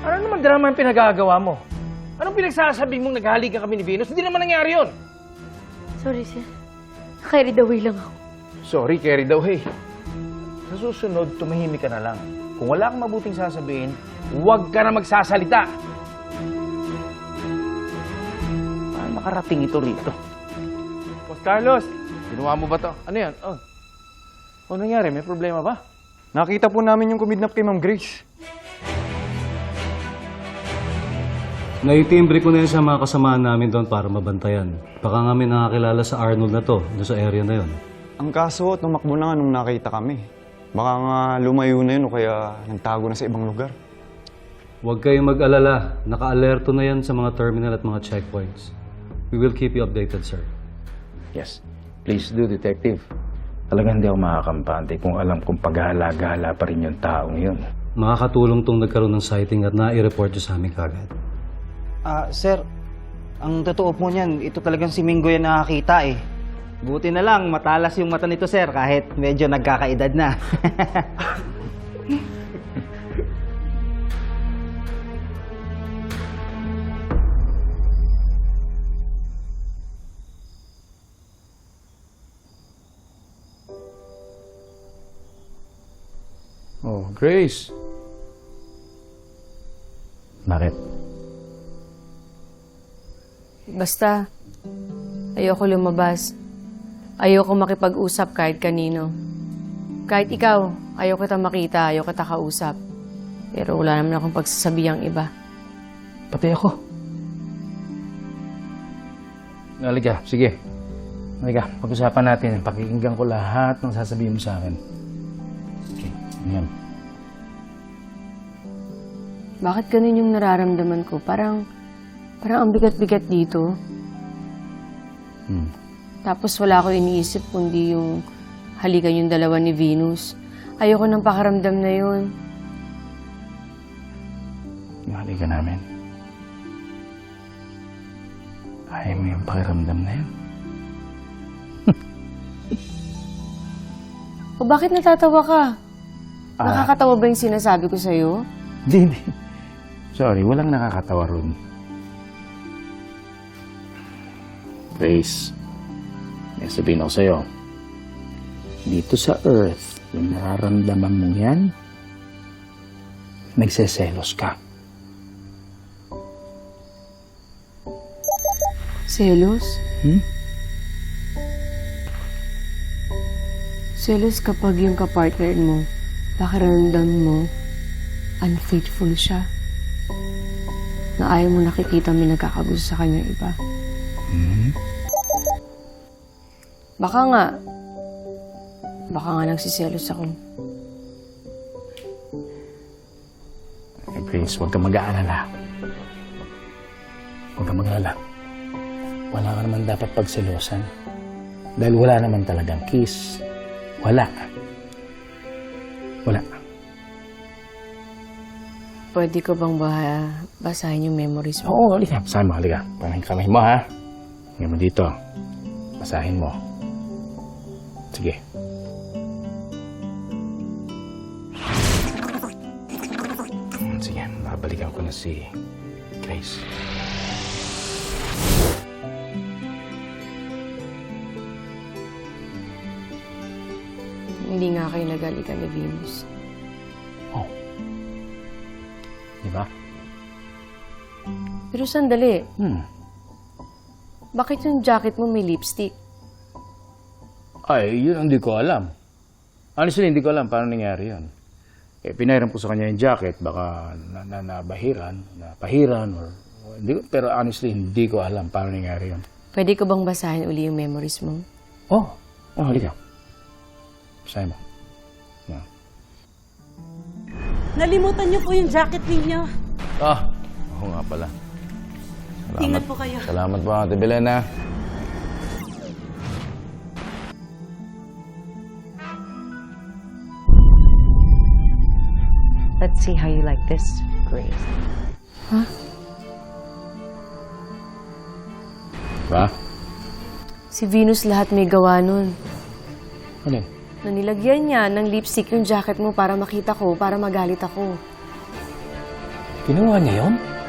Ano naman drama yung pinagagawa mo? Anong pinagsasabi mong naghalikan kami ni Venus? Hindi naman nangyari yun. Sorry, sir. Carried away lang ako. Sorry, carry daw, hey. Sa susunod, tumahimik ka na lang. Kung wala kang mabuting sasabihin, huwag ka na magsasalita. Paano makarating ito rito? Boss Carlos, ginawa mo ba to? Ano yan? Oh. Ano nangyari? May problema ba? Nakita po namin yung kumidnap kay Ma'am Grace. Naitimbre ko na yun sa mga kasamaan namin doon para mabantayan. Baka nga may nakakilala sa Arnold na to, doon sa area na yon. Ang kaso, tumakbo na nga nung nakita kami. Baka nga lumayo na yun o kaya nagtago na sa ibang lugar. Huwag kayong mag-alala. Naka-alerto na yan sa mga terminal at mga checkpoints. We will keep you updated, sir. Yes. Please do, Detective. Talagang hindi ako makakampante kung alam kong paghahala-gala pa rin yung taong yun. Makakatulong tong nagkaroon ng sighting at na-i-report nyo sa amin kagad. Sir, ang totoo po niyan, ito talagang si Mingo yan nakakita eh. Buti na lang, matalas yung mata nito, sir, kahit medyo nagkakaedad na. Oh, Grace. Bakit? Basta, ayoko lumabas. Ayoko makipag-usap kahit kanino. Kahit ikaw, ayoko kita makita, ayoko kita kausap. Pero wala naman akong pagsasabihang iba. Pati ako. Halika, sige. Halika, pag-usapan natin. Pakikinggan ko lahat ng sasabihin mo sa akin. Okay, ayan. Bakit ganun yung nararamdaman ko? Parang ang bigat-bigat dito. Tapos wala ko iniisip kundi yung halikan yung dalawa ni Venus. Ayoko ng pakaramdam na yun. Yung halika namin. Ayaw mo yung pakiramdam na yun. O bakit natatawa ka? Nakakatawa ba yung sinasabi ko sa'yo? Hindi. Sorry, walang nakakatawa ron. Grace, may sabihin ako sa'yo. Dito sa Earth, yung nararamdaman mo yan, nagseselos ka. Selos? Selos kapag yung kapartner mo, pakiramdam mo, unfaithful siya. Na ayaw mo nakikita may nagkakagusto sa kanya iba. Baka nga nagsiselos ako. Grace, huwag kang mag-aalala. Huwag kang mag-aalala. Wala ka naman dapat pagselosan. Dahil wala naman talagang kiss. Wala. Wala. Pwede ko bang basahin yung memories mo? Oo, halika. Basahin mo, halika. Parang kamay mo, ha? Ngayon mo dito. Basahin mo. Sige. Sige, babalikan ko na si Grace. Hindi nga kayo nagalikan ni Venus. Oh. Di ba? Pero sandali, bakit yung jacket mo may lipstick? Ay, yun hindi ko alam. Honestly, hindi ko alam paano nangyari yun. Eh, pinairam ko sa kanya yung jacket, baka napahiran, or hindi ko, pero honestly, hindi ko alam paano nangyari yun. Pwede ko bang basahin uli yung memories mo? Oh, halika. Basahin mo. Yeah. Nalimutan niyo po yung jacket ninyo. Oo nga pala. Ingat po kayo. Salamat po, Ate Belena. Let's see how you like this, Grace. Huh? Ba? Si Venus lahat may gawa nun. Ano? Na nilagyan niya ng lipstick yung jacket mo para makita ko, para magalit ako. Ginawa niya yon?